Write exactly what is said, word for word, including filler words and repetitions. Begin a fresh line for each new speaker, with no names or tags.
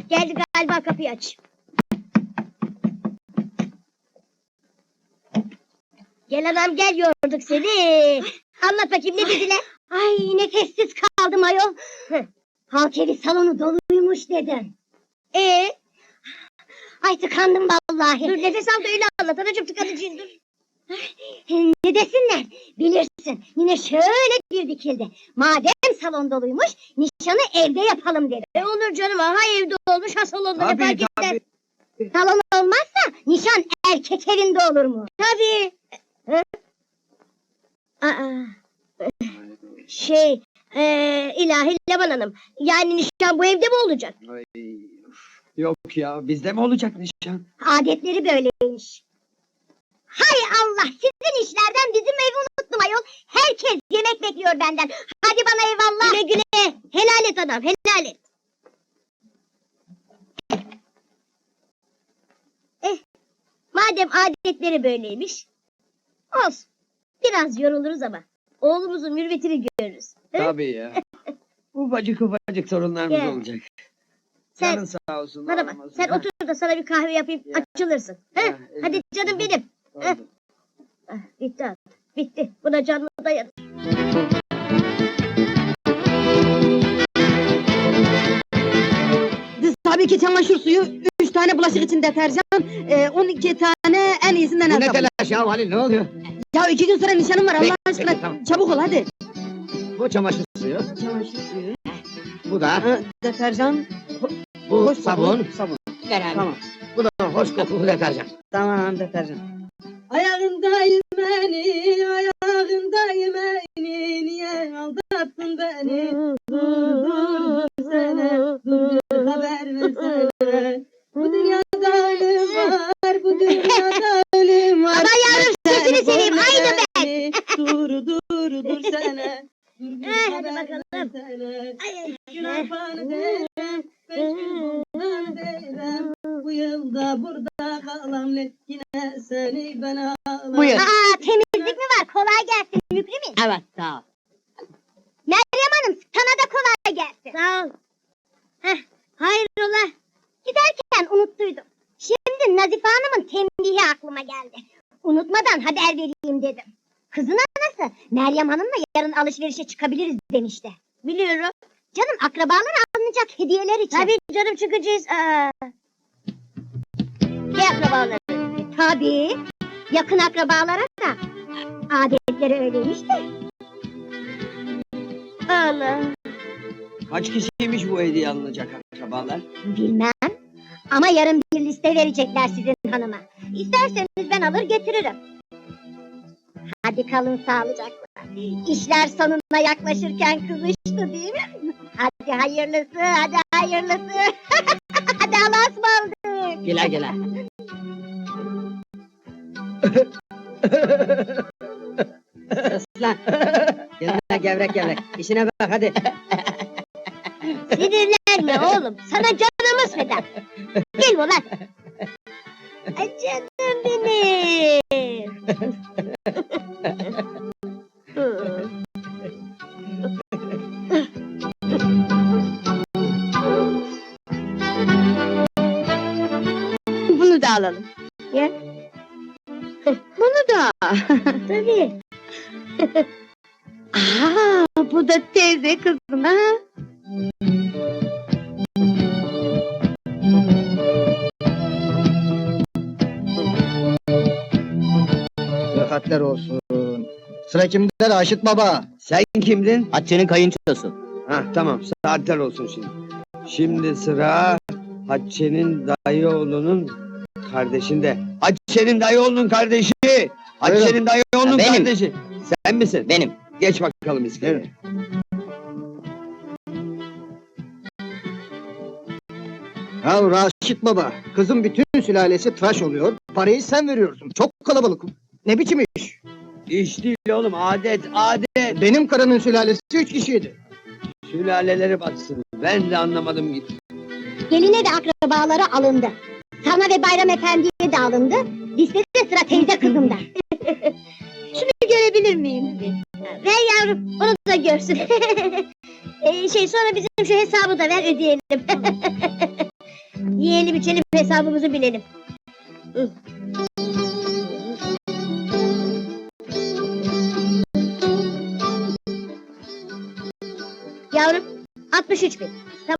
geldi galiba, kapıyı aç. Gel anam gel, yorduk seni. Anlat bakayım, ne dediler?
Ay nefessiz kaldım ayol. Halk evi salonu doluymuş dedim.
Ee,
Ay tıkandım vallahi.
dur nefes al da öyle anlat anacığım, tıkanıcıyım dur.
Ne desinler? Bilirsin. Yine şöyle bir dikildi. Madem salon doluymuş, nişanı evde yapalım dedi.
E olur canım, ha evde olmuş, ha salonda, ne
Tabii
fark eder?
tabii.
Salon olmazsa nişan erkek evinde olur mu?
Tabii. Hı? Aa, şey, ee, ilahi Leman Hanım, yani nişan bu evde mi olacak?
Ay, yok ya, bizde mi olacak nişan?
Adetleri böyleymiş. Hay Allah, sizin işlerden bizim evi unuttum ayol. Herkes yemek bekliyor benden. Hadi bana eyvallah.
Güle güle, helal et anam, helal et. Eh, madem adetleri böyleymiş, olsun. Biraz yoruluruz ama oğlumuzun mürvetini görürüz. Hı?
Tabii ya. Ufacık ufacık sorunlarımız
Gel.
olacak.
Sen,
Canın sağ olsun.
bana bak,
olmasın.
sen
Ha,
otur da sana bir kahve yapayım,
Ya.
açılırsın. Hı?
Ya,
Hadi
evet.
canım benim.
oldu.
Heh. Ah, bitti artık, bitti. Buna canlı dayanır.
Tabii ki çamaşır suyu, üç tane bulaşık için deterjan, e, on iki tane en iyisinden
Bu
el
ne
sabunu.
telaş ya Halil, ne oluyor?
Ya iki gün sonra nişanım var,
Peki,
Allah aşkına
peki, tamam.
çabuk ol hadi.
Bu çamaşır suyu,
Çamaşır suyu,
bu da,
ha, deterjan,
bu
hoş
sabun,
sabun.
beraber.
Tamam,
Bu da hoş kokulu deterjan.
tamam deterjan. Ayağındayım beni, ayağındayım beni, niye aldattın beni? Dur dur dursene, dur dur haber versene. Bu dünyada ölüm var, bu dünyada ölüm var.
Ama yavrum, sesini seveyim, aynı
ben. Dur dur dur sene. Dur dur
Eh, hadi
haber
bakalım.
versene.
Ay, ay,
Gün arpanı derim, beş gün bundan derim. Bu yılda burada kalam, yine seni ben ağlam.
Buyur.
Aa, temizlik mi var? Kolay gelsin Mükrimin.
Evet sağ ol.
Meryem Hanım, sana da kolay gelsin.
sağ ol. Heh, hayrola?
Giderken unuttuydum. Şimdi Nazife Hanım'ın tembihi aklıma geldi. Unutmadan haber vereyim dedim. Kızın anası Meryem Hanım'la yarın alışverişe çıkabiliriz demişti.
Biliyorum.
Canım, akrabalara alınacak hediyeler için.
Tabii canım, çıkacağız. Aa. Ne akrabaları?
Tabii. Yakın akrabalara da adetleri öyleymiş de.
Allah.
Kaç kişiymiş bu hediye alınacak akrabalar?
Bilmem. Ama yarın bir liste verecekler sizin hanıma. İsterseniz ben alır getiririm. Hadi kalın sağlıcakla. İşler sonuna yaklaşırken kızıştı değil mi? Hadi hayırlısı, hadi hayırlısı. Hadi Allah'a ısmarladık.
Güle güle. Aslan. Gelme gevrek gevrek. İşine bak hadi.
Sinirlenme oğlum. Sana canımız feda. Gel ulan. Ay canım benim.
Bunu da alalım.
Ya.
Bunu da.
Tabii.
Aa, bu da teyze kızın ha.
Sıhhatler olsun. Sıra kimde Raşit Baba?
Sen kimdin?
Hatice'nin kayınçosu.
Hah tamam, saatler olsun şimdi. Şimdi sıra Hatice'nin dayı oğlunun kardeşinde. Hatice'nin dayı oğlunun kardeşi! Hatice'nin dayı oğlunun
Benim.
kardeşi! Sen misin?
Benim.
Geç bakalım iskeleye.
Ya Raşit Baba, kızın bütün sülalesi tıraş oluyor. Parayı sen veriyorsun. Çok kalabalık. Ne biçim iş?
İş değil oğlum, adet, adet!
Benim karının sülalesi üç kişiydi.
Sülaleleri batsın, ben de anlamadım gitti.
Geline ve akrabalara alındı. Sana ve Bayram Efendi'ye de alındı. Listede sıra teyze kızımda.
Şunu görebilir miyim? Ver yavrum, onu da görsün. ee, şey sonra bizim şu hesabı da ver, ödeyelim. içelim hesabımızı bilelim. Hı. Yavrum altmış üç bin.